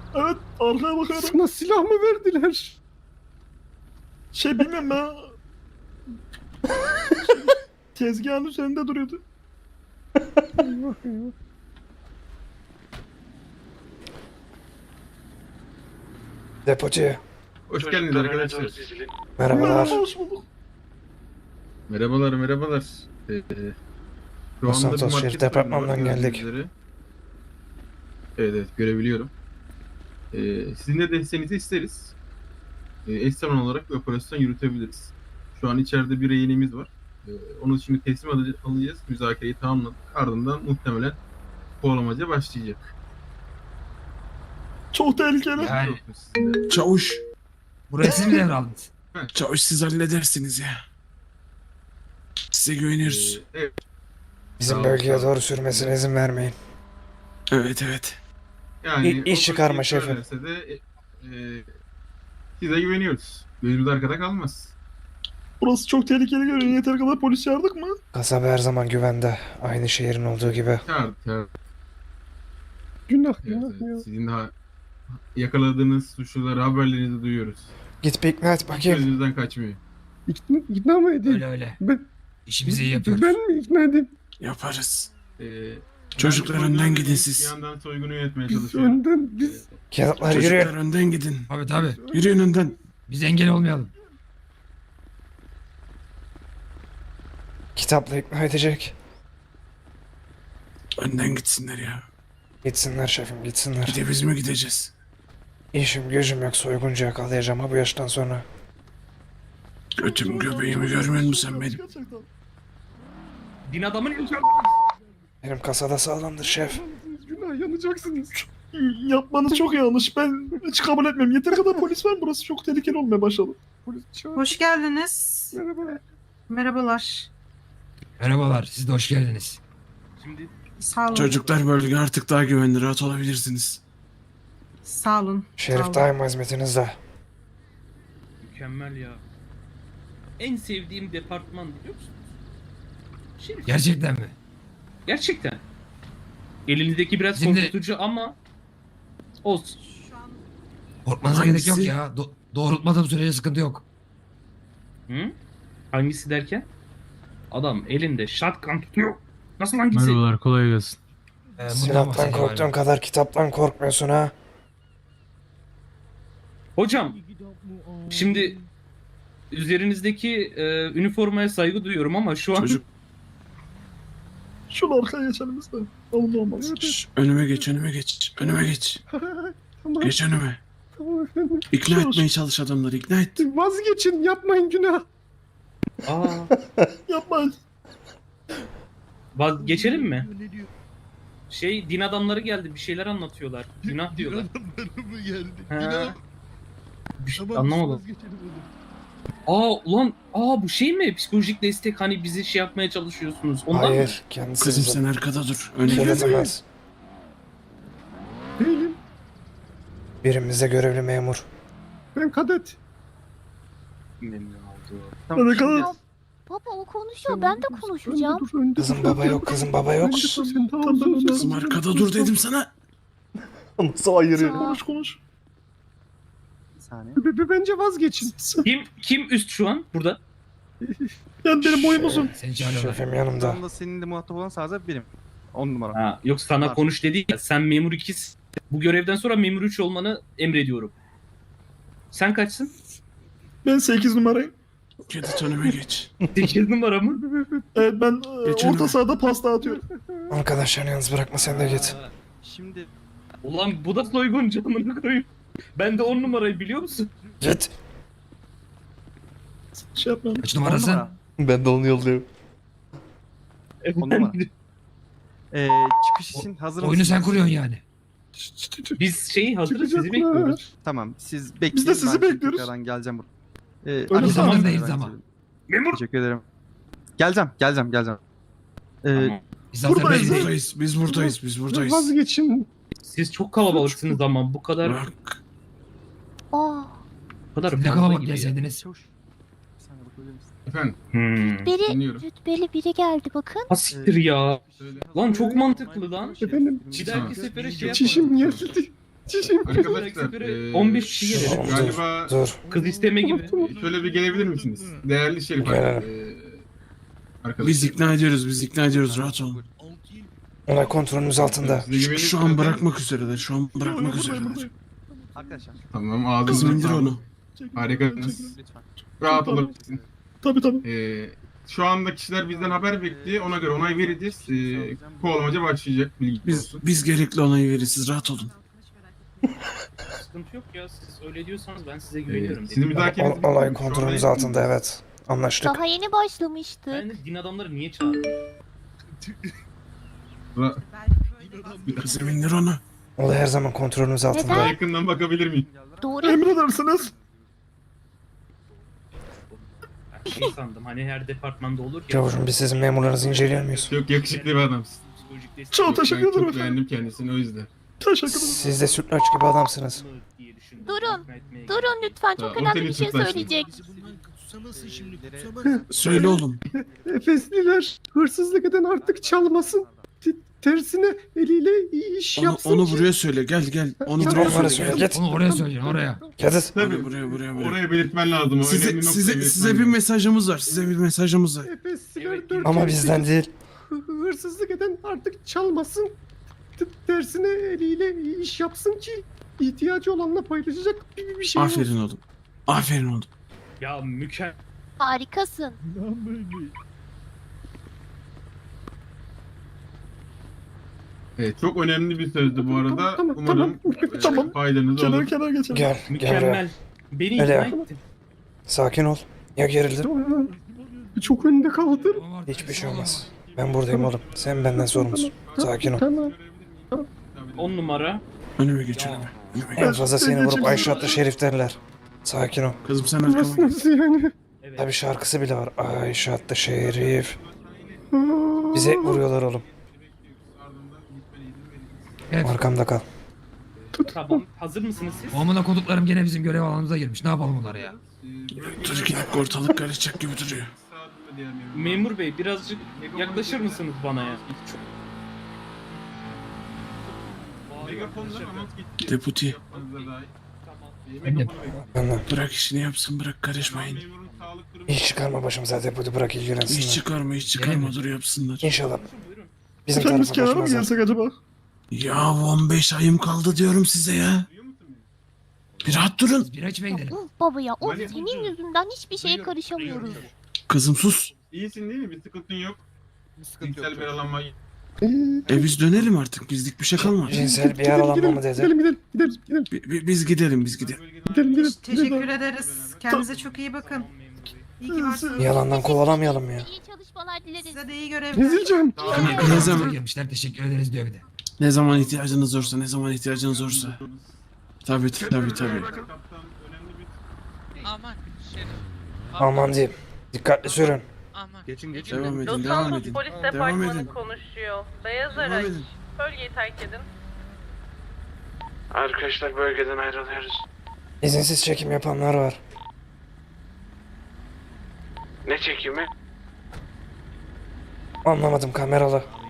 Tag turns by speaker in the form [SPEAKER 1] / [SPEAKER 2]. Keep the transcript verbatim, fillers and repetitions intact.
[SPEAKER 1] Evet, arkaya bakıyorum.
[SPEAKER 2] Sana silah mı verdiler?
[SPEAKER 1] Şey bilmiyorum ya. Tezgahın üzerinde duruyordu.
[SPEAKER 2] Eyvah eyvah.
[SPEAKER 3] Depocu.
[SPEAKER 4] Hoş geldiniz arkadaşlar.
[SPEAKER 3] Merhabalar.
[SPEAKER 1] Hoş bulduk.
[SPEAKER 4] Merhabalar, merhabalar. Ee, şu
[SPEAKER 3] Los
[SPEAKER 4] anda bir
[SPEAKER 3] Santos
[SPEAKER 4] market
[SPEAKER 3] Şerif Departmanı'ndan
[SPEAKER 4] soygunu var,
[SPEAKER 3] geldik.
[SPEAKER 4] gördüğünüz üzere. Evet, evet, görebiliyorum. Ee, sizin de desteğinizi isteriz. Ee, eş zamanlı olarak bir operasyon yürütebiliriz. Şu an içeride bir rehinemiz var. Ee, onu şimdi teslim alıc- alacağız. Müzakereyi tamamladık. Ardından muhtemelen kovalamaca başlayacak.
[SPEAKER 1] Çok tehlikeli.
[SPEAKER 5] Yani
[SPEAKER 4] Yok mu sizde?
[SPEAKER 6] Çavuş.
[SPEAKER 5] burayı siz mi devraldınız?
[SPEAKER 6] Çavuş siz halledersiniz ya. Size
[SPEAKER 4] Ee,
[SPEAKER 6] güveniyoruz.
[SPEAKER 4] evet,
[SPEAKER 3] Bizim
[SPEAKER 4] Sağ ol,
[SPEAKER 3] bölgeye
[SPEAKER 4] sağ ol.
[SPEAKER 3] doğru sürmesine izin vermeyin.
[SPEAKER 6] Evet evet.
[SPEAKER 4] yani
[SPEAKER 3] İ- iş çıkarma şefim.
[SPEAKER 4] söylerse de e, e, size güveniyoruz. Gözümüz arkada kalmaz.
[SPEAKER 1] Burası çok tehlikeli görünüyor. Yeter kadar polis çağırdık mı?
[SPEAKER 3] Kasaba her zaman güvende. Aynı şehrin olduğu gibi.
[SPEAKER 4] Çağır, çağır.
[SPEAKER 2] Günah
[SPEAKER 4] Evet,
[SPEAKER 2] günah
[SPEAKER 4] evet.
[SPEAKER 2] ya.
[SPEAKER 4] Sizin daha yakaladığınız suçluları haberlerinizi duyuyoruz.
[SPEAKER 3] Git bir ikna et bakayım.
[SPEAKER 4] Gözünüzden kaçmıyor.
[SPEAKER 2] İkna, ikna mı edeyim?
[SPEAKER 5] Öyle öyle.
[SPEAKER 2] Ben,
[SPEAKER 5] İşimizi iyi yapıyoruz.
[SPEAKER 2] ben mi ikna edeyim?
[SPEAKER 6] Yaparız.
[SPEAKER 4] Ee,
[SPEAKER 6] Çocuklar
[SPEAKER 4] ben
[SPEAKER 6] önden
[SPEAKER 4] soygunu
[SPEAKER 6] gidin
[SPEAKER 4] değil,
[SPEAKER 6] siz.
[SPEAKER 4] Bir yandan soygunu yönetmeye
[SPEAKER 2] Biz
[SPEAKER 4] çalışıyorum.
[SPEAKER 2] önden biz
[SPEAKER 3] Kağıtlar
[SPEAKER 6] Çocuklar
[SPEAKER 3] yürüyün.
[SPEAKER 6] önden gidin.
[SPEAKER 5] Tabii tabii.
[SPEAKER 6] Yürüyün önden.
[SPEAKER 5] Biz engel olmayalım.
[SPEAKER 3] Kitapla ikna edecek.
[SPEAKER 6] Önden gitsinler ya.
[SPEAKER 3] Gitsinler şefim gitsinler.
[SPEAKER 6] Bir de biz mi gideceğiz?
[SPEAKER 3] İşim gücüm yok, soyguncu yakalayacağım ha bu yaştan sonra.
[SPEAKER 6] Götüm göbeğimi görmüyor musun sen benim?
[SPEAKER 1] Gerçekten.
[SPEAKER 7] Din adamın elini
[SPEAKER 3] Benim kasada sağlamdır şef.
[SPEAKER 2] günah yanacaksınız.
[SPEAKER 1] Yapmanız çok yanlış. Ben hiç kabul etmiyorum. Yeter kadar polis var. Burası çok tehlikeli olmaya başladı.
[SPEAKER 2] Polis çağır.
[SPEAKER 8] Hoş geldiniz.
[SPEAKER 2] Merhaba.
[SPEAKER 8] Merhabalar.
[SPEAKER 5] Merhabalar. Siz de hoş geldiniz.
[SPEAKER 7] Şimdi
[SPEAKER 8] Sağ olun.
[SPEAKER 6] Çocuklar bölge artık daha güvenli. Rahat olabilirsiniz.
[SPEAKER 8] Sağ olun. Sağ
[SPEAKER 3] Şerif
[SPEAKER 8] olun.
[SPEAKER 3] daima hizmetinizde.
[SPEAKER 7] mükemmel ya. En sevdiğim departman biliyor musun? Şerif.
[SPEAKER 5] Gerçekten mi?
[SPEAKER 7] Gerçekten. Elinizdeki biraz
[SPEAKER 5] Şimdi-
[SPEAKER 7] korkutucu ama olsun.
[SPEAKER 8] Şu an
[SPEAKER 5] Korkmanıza
[SPEAKER 6] Hangisi?
[SPEAKER 5] gerek yok ya. Do- doğrultmadığım sürece sıkıntı yok.
[SPEAKER 7] Hı? Hangisi derken? Adam elinde shotgun tutuyor. Nasıl hangisi?
[SPEAKER 9] Merhabalar, kolay gelsin.
[SPEAKER 5] Ee, bundan
[SPEAKER 3] Silahtan
[SPEAKER 5] bahsediyorum
[SPEAKER 3] korktuğun
[SPEAKER 5] galiba.
[SPEAKER 3] kadar kitaptan korkmuyorsun ha.
[SPEAKER 7] Hocam, şimdi üzerinizdeki e, üniformaya saygı duyuyorum ama şu an
[SPEAKER 6] Çocuk
[SPEAKER 1] Şunu arkaya geçelim biz de. Alın olmaz.
[SPEAKER 6] şş, önüme geç önüme geç. Önüme geç.
[SPEAKER 2] Tamam,
[SPEAKER 6] Geç önüme.
[SPEAKER 2] tamam efendim.
[SPEAKER 6] İkna
[SPEAKER 1] Sus.
[SPEAKER 6] etmeye çalış adamları ikna et.
[SPEAKER 2] Vazgeçin yapmayın günah.
[SPEAKER 7] Aa,
[SPEAKER 1] Yapmayın.
[SPEAKER 7] vaz- geçelim mi? Şey, din adamları geldi, bir şeyler anlatıyorlar. Günah diyorlar.
[SPEAKER 10] mı geldi?
[SPEAKER 7] Ha. Bir şey-
[SPEAKER 10] Tamam,
[SPEAKER 7] anlamadım.
[SPEAKER 10] vazgeçelim oğlum.
[SPEAKER 7] Aa ulan, aa bu şey mi? Psikolojik destek, hani bizi şey yapmaya çalışıyorsunuz. Ondan mı?
[SPEAKER 3] Hayır, kendisi
[SPEAKER 6] Kızım
[SPEAKER 3] bize
[SPEAKER 6] sen arkada dur. Öne
[SPEAKER 3] şey
[SPEAKER 6] gel.
[SPEAKER 3] detemez.
[SPEAKER 2] Değilim.
[SPEAKER 3] Birimizde görevli memur.
[SPEAKER 2] Ben kadet.
[SPEAKER 7] Memnun oldum.
[SPEAKER 1] Ne kadar
[SPEAKER 11] Baba o konuşuyor, ben de konuşacağım.
[SPEAKER 2] Önde dur, önde
[SPEAKER 3] Kızım
[SPEAKER 2] dur.
[SPEAKER 3] baba yok, kızım baba yok.
[SPEAKER 2] Önde dur, sen tamam,
[SPEAKER 1] Tamam,
[SPEAKER 2] dur, dur,
[SPEAKER 6] Kızım
[SPEAKER 2] dur,
[SPEAKER 6] arkada
[SPEAKER 2] dur,
[SPEAKER 6] dur dedim sana.
[SPEAKER 3] Nasıl ayırıyor?
[SPEAKER 1] konuş konuş.
[SPEAKER 2] B- b- Bence vazgeçin.
[SPEAKER 7] Kim kim üst şu an burada?
[SPEAKER 1] Yani benim boyum uzun.
[SPEAKER 5] Seni çağırıyorlar.
[SPEAKER 3] Şefim yanımda.
[SPEAKER 10] Tam da senin de muhatap olan sadece benim. On numara.
[SPEAKER 7] Ha, yok sana
[SPEAKER 10] Var.
[SPEAKER 7] konuş dedi ya. Sen memur ikisin. Bu görevden sonra memur üç olmanı emrediyorum. Sen kaçsın?
[SPEAKER 1] Ben sekiz numarayım.
[SPEAKER 6] Kedet önüme geç.
[SPEAKER 7] sekiz numara mı?
[SPEAKER 1] Evet ben e,
[SPEAKER 6] Geçen
[SPEAKER 1] orta
[SPEAKER 6] ay.
[SPEAKER 1] sahada pasta atıyorum.
[SPEAKER 3] Arkadaşlarını yalnız bırakma sen de git.
[SPEAKER 10] Aa, Şimdi
[SPEAKER 7] Ulan bu da soyguncu amına koyayım. Ben de on numarayı biliyor musun?
[SPEAKER 3] Git.
[SPEAKER 1] Şey yapmayalım.
[SPEAKER 5] Kaç
[SPEAKER 10] on
[SPEAKER 5] numarasın?
[SPEAKER 10] numara.
[SPEAKER 3] Ben de onu yolluyorum.
[SPEAKER 10] On numara. Ee, çıkış için hazır mısınız?
[SPEAKER 5] Oyunu sen kuruyorsun yani.
[SPEAKER 7] Biz şeyi hazırız, sizi
[SPEAKER 2] Çıkacaklar.
[SPEAKER 7] bekliyoruz.
[SPEAKER 10] Tamam siz bekleyin.
[SPEAKER 1] Biz de sizi
[SPEAKER 10] ben şimdi
[SPEAKER 1] bekliyoruz.
[SPEAKER 10] Tekrardan geleceğim buraya. Ee,
[SPEAKER 1] Öyle
[SPEAKER 10] arada
[SPEAKER 5] zamandayız
[SPEAKER 10] ben
[SPEAKER 5] ama.
[SPEAKER 10] söyleyeyim.
[SPEAKER 7] Memur!
[SPEAKER 10] Teşekkür ederim. Geleceğim, geleceğim, geleceğim. Ee,
[SPEAKER 7] Tamam.
[SPEAKER 5] Biz zaten
[SPEAKER 1] Buradayız,
[SPEAKER 6] Biz
[SPEAKER 5] belli.
[SPEAKER 6] buradayız. Biz buradayız. Biz buradayız.
[SPEAKER 2] Vazgeçin.
[SPEAKER 7] Siz çok kalabalıksınız ama bu kadar
[SPEAKER 6] Bak.
[SPEAKER 11] Aa,
[SPEAKER 7] bu kadar
[SPEAKER 5] Ne
[SPEAKER 7] fazla
[SPEAKER 5] kalabalık
[SPEAKER 7] gibi ya.
[SPEAKER 5] gelseydiniz.
[SPEAKER 10] Çavuş. Bir saniye bakabilir misin?
[SPEAKER 4] Efendim,
[SPEAKER 7] Hmm.
[SPEAKER 11] biri
[SPEAKER 4] dinliyorum.
[SPEAKER 11] rütbeli biri geldi bakın.
[SPEAKER 7] Ha siktir ya.
[SPEAKER 4] Söyle.
[SPEAKER 7] Lan çok mantıklı lan.
[SPEAKER 2] Efendim,
[SPEAKER 7] Bir dahaki sefere şey
[SPEAKER 2] çişim
[SPEAKER 7] yapalım.
[SPEAKER 2] geldi.
[SPEAKER 4] Arkadaşlar
[SPEAKER 7] Yukarı
[SPEAKER 4] e,
[SPEAKER 7] on beş kişi gelelim.
[SPEAKER 3] Dur,
[SPEAKER 4] galiba
[SPEAKER 3] Dur.
[SPEAKER 7] Kız isteme gibi.
[SPEAKER 4] şöyle bir gelebilir misiniz? Değerli Şerif
[SPEAKER 3] Gelelim.
[SPEAKER 4] e, arkadaşlar.
[SPEAKER 6] Biz ikna ediyoruz, biz ikna ediyoruz. Rahat olun.
[SPEAKER 3] Olay kontrolümüz altında.
[SPEAKER 4] Size güveniyorum
[SPEAKER 6] Şu
[SPEAKER 4] zaten.
[SPEAKER 6] an bırakmak üzereler, şu an
[SPEAKER 1] Yo, yo,
[SPEAKER 6] bırakmak
[SPEAKER 1] buradayım,
[SPEAKER 6] üzereler.
[SPEAKER 1] buradayım.
[SPEAKER 10] Arkadaşlar.
[SPEAKER 4] Tamam ağzınızı
[SPEAKER 6] Kızım indir
[SPEAKER 4] sağlık.
[SPEAKER 6] onu.
[SPEAKER 4] Harikasınız.
[SPEAKER 10] Lütfen.
[SPEAKER 4] Rahat
[SPEAKER 1] Tabii.
[SPEAKER 4] olabilirsin.
[SPEAKER 1] Tabii tabii.
[SPEAKER 4] Ee, şu anda kişiler bizden haber bekliyor. Ona göre onay vereceğiz. Ee, kovalamaca başlayacak. Bilgi
[SPEAKER 6] Biz,
[SPEAKER 4] olsun.
[SPEAKER 6] biz gerekli onayı veririz, siz rahat olun.
[SPEAKER 7] Sıkıntı yok ya. Siz öyle diyorsanız ben size
[SPEAKER 4] Ee,
[SPEAKER 7] güveniyorum.
[SPEAKER 4] sizin müzakereniz
[SPEAKER 3] Ol- olay
[SPEAKER 4] bitti mi? Şu
[SPEAKER 3] kontrolümüz
[SPEAKER 4] anda-
[SPEAKER 3] altında, evet. Anlaştık.
[SPEAKER 11] Daha yeni başlamıştık.
[SPEAKER 7] Ben de din adamları niye çağırdın?
[SPEAKER 4] Ra-
[SPEAKER 6] Kızım indir onu.
[SPEAKER 3] Olay her zaman kontrolümüz altında.
[SPEAKER 4] Daha yakından bakabilir miyim?
[SPEAKER 11] Doğru.
[SPEAKER 1] Emredersiniz.
[SPEAKER 7] Ben şey sandım hani her departmanda olur ya.
[SPEAKER 3] Çavuşum, biz sizin memurlarınızı inceliyor muyuz?
[SPEAKER 4] Çok yakışıklı bir adamsın.
[SPEAKER 7] Psikolojik destek
[SPEAKER 1] Çok
[SPEAKER 7] yok.
[SPEAKER 1] teşekkür
[SPEAKER 4] Ben
[SPEAKER 1] ederim
[SPEAKER 4] çok
[SPEAKER 1] efendim.
[SPEAKER 4] beğendim kendisini o yüzden.
[SPEAKER 1] Teşekkür ederim.
[SPEAKER 3] Siz de sütlaç gibi adamsınız.
[SPEAKER 7] diye düşündüm.
[SPEAKER 11] Durun,
[SPEAKER 7] İkna etmeye
[SPEAKER 11] Durun lütfen, çok
[SPEAKER 4] Tamam,
[SPEAKER 11] önemli
[SPEAKER 4] seni
[SPEAKER 11] bir şey
[SPEAKER 4] tutlaştım.
[SPEAKER 11] söyleyecek.
[SPEAKER 6] Söyle oğlum.
[SPEAKER 2] Efesliler hırsızlık eden artık çalmasın. T- Tersine eliyle iş
[SPEAKER 6] Onu,
[SPEAKER 2] yapsın
[SPEAKER 6] onu
[SPEAKER 2] ki.
[SPEAKER 6] buraya söyle, gel gel. Onu
[SPEAKER 2] Git
[SPEAKER 6] buraya
[SPEAKER 3] Onlara
[SPEAKER 6] söyle.
[SPEAKER 3] söyle,
[SPEAKER 6] Gel.
[SPEAKER 3] git.
[SPEAKER 5] Onu oraya söyleyin, oraya.
[SPEAKER 3] Gidin.
[SPEAKER 6] Buraya, buraya, buraya, buraya.
[SPEAKER 4] Oraya belirtmen lazım. O
[SPEAKER 6] Size,
[SPEAKER 4] önemli noktayı
[SPEAKER 6] size,
[SPEAKER 4] belirtmen
[SPEAKER 6] size bir
[SPEAKER 4] lazım.
[SPEAKER 6] mesajımız var, size bir mesajımız var.
[SPEAKER 2] Efesliler
[SPEAKER 7] Evet,
[SPEAKER 2] dört
[SPEAKER 3] Ama
[SPEAKER 2] kere
[SPEAKER 3] bizden
[SPEAKER 2] sekiz.
[SPEAKER 3] değil.
[SPEAKER 2] Hı- Hırsızlık eden artık çalmasın. T- Tersine eliyle iş yapsın ki ihtiyacı olanla paylaşacak bir, bir şey olsun.
[SPEAKER 6] Aferin oğlum. Aferin oğlum.
[SPEAKER 7] Ya mükemmel.
[SPEAKER 11] Harikasın.
[SPEAKER 4] Evet, çok önemli bir sözdü bu arada.
[SPEAKER 2] Tamam, tamam,
[SPEAKER 4] Umarım
[SPEAKER 2] tamam.
[SPEAKER 4] e,
[SPEAKER 1] Tamam.
[SPEAKER 4] faydanız
[SPEAKER 1] Kenara
[SPEAKER 4] olur.
[SPEAKER 1] kenara geçelim.
[SPEAKER 3] Gel, gel buraya.
[SPEAKER 7] Mükemmel. Beni
[SPEAKER 3] Öyle
[SPEAKER 7] ikna
[SPEAKER 3] ya.
[SPEAKER 7] ettin.
[SPEAKER 3] Sakin ol. Ya gerildin?
[SPEAKER 2] Çok önde kaldım.
[SPEAKER 3] Hiçbir şey olmaz. Ben buradayım oğlum. Sen benden sorumlusun. Sakin ol.
[SPEAKER 2] Tamam.
[SPEAKER 7] On numara.
[SPEAKER 6] Önüme geç önüme. Önüme geç.
[SPEAKER 3] En fazla seni vurup Ayşe adlı Şerif derler. Sakin ol.
[SPEAKER 6] Kızım sen arkama
[SPEAKER 2] Nasıl
[SPEAKER 6] gel.
[SPEAKER 2] nasıl yani?
[SPEAKER 7] Evet.
[SPEAKER 3] Tabi şarkısı bile var. Ayşe adlı Şerif. Bize vuruyorlar oğlum.
[SPEAKER 5] Evet.
[SPEAKER 3] Arkamda kal.
[SPEAKER 7] Tamam. Hazır mısınız siz?
[SPEAKER 5] O amına koduklarım gene bizim görev alanımıza girmiş. Ne yapalım onlara ya?
[SPEAKER 6] Çocuk inip ortalık karışacak gibi duruyor.
[SPEAKER 7] Memur bey birazcık yaklaşır mısınız bana ya? Çok...
[SPEAKER 4] Megafonlar anons gitti.
[SPEAKER 6] Deputy.
[SPEAKER 4] Yapmanıza dair.
[SPEAKER 7] Tamam.
[SPEAKER 5] Emret.
[SPEAKER 3] Benden.
[SPEAKER 6] Bırak işini yapsın, bırak karışmayın.
[SPEAKER 4] Memurun sağlık durumu-
[SPEAKER 3] İş çıkarma başımıza deputy, bırak
[SPEAKER 6] Hiç
[SPEAKER 3] ilgilensinler.
[SPEAKER 6] çıkarma, hiç çıkarma, dur yapsınlar.
[SPEAKER 3] İnşallah. Bizim
[SPEAKER 1] Efendim biz
[SPEAKER 3] tarafa
[SPEAKER 1] kenara mı
[SPEAKER 3] başımıza.
[SPEAKER 1] gelsek acaba?
[SPEAKER 6] Ya on beş ayım kaldı diyorum size ya.
[SPEAKER 4] Duyuyor musun beni?
[SPEAKER 6] Bir rahat durun.
[SPEAKER 5] Biz bira içmeye gidelim.
[SPEAKER 11] Of baba ya, of
[SPEAKER 4] Mali-
[SPEAKER 11] senin yüzünden hiçbir şeye karışamıyoruz.
[SPEAKER 6] Kızım sus.
[SPEAKER 4] İyisin değil mi? Bir sıkıntın yok. Cinsel bir alanma.
[SPEAKER 6] E biz dönelim artık, bizlik bir şey kalmadı.
[SPEAKER 3] Cinsel bir yaralanma mı dedi?
[SPEAKER 2] Gidelim gidelim gidelim gidelim
[SPEAKER 6] Bi- bi- Biz gidelim, biz gidelim.
[SPEAKER 2] gidelim gidelim.
[SPEAKER 8] Teşekkür ederiz. Kendinize çok iyi bakın. İyi ki varsınız.
[SPEAKER 3] Yalandan kovalamayalım ya.
[SPEAKER 11] İyi çalışmalar dileriz.
[SPEAKER 8] Size de iyi görevler.
[SPEAKER 2] Ezileceğim.
[SPEAKER 6] Ne, ne
[SPEAKER 5] Bize
[SPEAKER 6] zaman,
[SPEAKER 5] gelmişler, teşekkür ederiz diyor bir de.
[SPEAKER 6] ne zaman ihtiyacınız olursa, ne zaman ihtiyacınız olursa. Tabii tabii tabii.
[SPEAKER 9] Aman Şerif.
[SPEAKER 3] Aman diyeyim. Dikkatli sürün.
[SPEAKER 9] Aman.
[SPEAKER 10] Geçin geçin.
[SPEAKER 6] Devam edin,
[SPEAKER 9] Los
[SPEAKER 6] devam
[SPEAKER 9] Santos
[SPEAKER 6] edin.
[SPEAKER 9] Polis
[SPEAKER 6] Devam
[SPEAKER 9] Departmanı
[SPEAKER 6] edin.
[SPEAKER 9] konuşuyor. Beyaz
[SPEAKER 6] Devam
[SPEAKER 9] araç.
[SPEAKER 6] edin.
[SPEAKER 9] Bölgeyi terk edin.
[SPEAKER 6] Arkadaşlar bölgeden ayrılıyoruz.
[SPEAKER 3] İzinsiz çekim yapanlar var.
[SPEAKER 6] Ne çekimi?
[SPEAKER 3] Anlamadım, kameralı.